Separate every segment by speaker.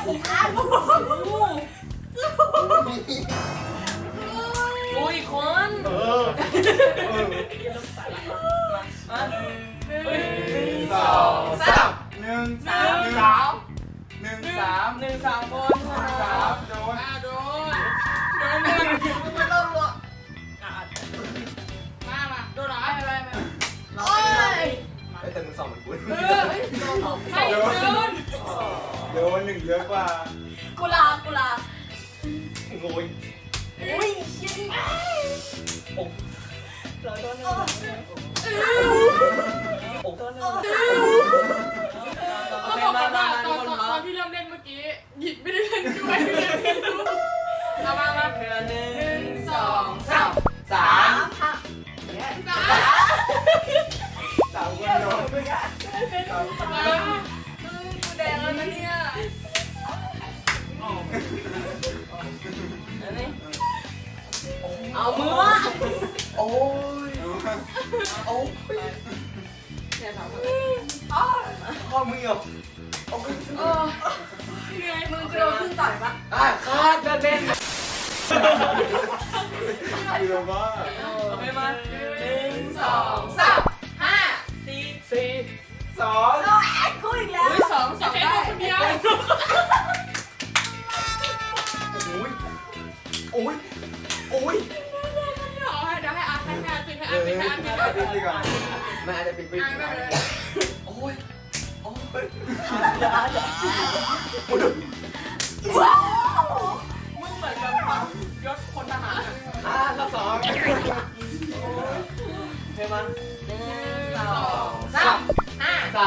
Speaker 1: อุ้ยคน
Speaker 2: 1 2 3 1 3
Speaker 1: 1 3 คน
Speaker 2: 3โดน
Speaker 1: โดนไม่ต้องหรอกมาโดนหรอโอ้ย
Speaker 2: แต่มึง2มันกู
Speaker 1: ไม่โดน
Speaker 2: 1เยอะกว่า
Speaker 1: กุลา
Speaker 2: โง่ย
Speaker 1: อุ้ยชิงเราโดนต้องบอกกันว่าตอนที่เริ่มเล่นเมื่อกี้หยิบไม่ได้เล่นด้วยเอามา1 2 3
Speaker 2: 3คนโดน
Speaker 1: กูแดงแล้วนะเนี่ยเอามือวะ
Speaker 2: โอ้ยโอ้ยข้อมือเหรอ
Speaker 1: เหนื่อยมึงจะโดนขึ้นต่อยปะ
Speaker 2: คาดเด่นเรือว่า
Speaker 1: โอเคมา1 2 3 5 4
Speaker 2: 2
Speaker 1: กูอีกแล้ว2ได้คนเดียว
Speaker 2: โอ้ย
Speaker 1: เดี๋ยวให้อาร์ตปิด
Speaker 2: ก่อนแม่อาจจะปิดโอ้ย
Speaker 1: มึงเหมือนกับยศพลทหาร
Speaker 2: ละ2
Speaker 1: เฮ้ยมา1 2 3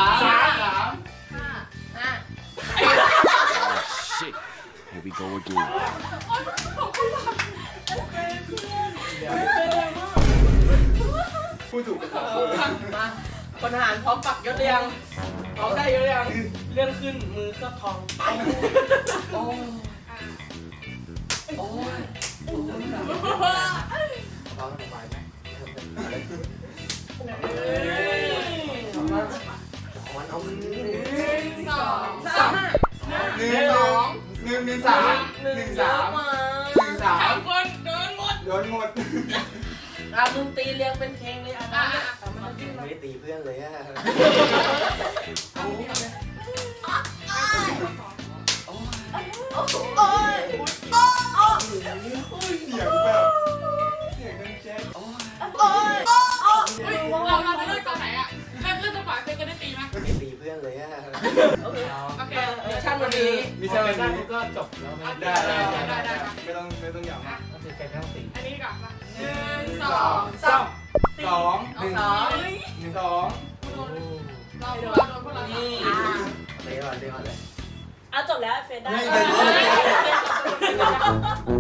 Speaker 3: Shit. Here we go again.
Speaker 2: พูดถูกกัน
Speaker 1: มาพลทหารพร้อมปักยศเรียงพร้อมได้ยศเรียงเลื่อนขึ้นมือเคลือบทองโอ้ย
Speaker 2: ร้องสบายไหมเอา1
Speaker 1: 2 3
Speaker 2: 1 3
Speaker 1: คนโดนหมดมึงตีเรียงเป็นเพลงเลย
Speaker 2: ไม่ได้ตีเพื่อนเลยอะเสียงแบบเสียงดังแจ๊ก
Speaker 1: เราจะเล่นตอนไหนอ่ะเล่นจังหวะเฟซจะได้ตีไหม
Speaker 2: ไม่ตีเพื่อนเลยอะ
Speaker 1: โอเคมิชชั่นวันนี้
Speaker 4: ก็จบแล้ว
Speaker 1: ได้
Speaker 2: ไม่ต้องอย่างมาก
Speaker 4: ก็คือแกไม่ต้องตี
Speaker 1: อันนี้ก่อนมา1 2 3
Speaker 2: 2 1 2
Speaker 1: เราโดนพวกเรานี่
Speaker 2: เดี๋ยวเลย
Speaker 5: เอาจบแล้วเฟซได้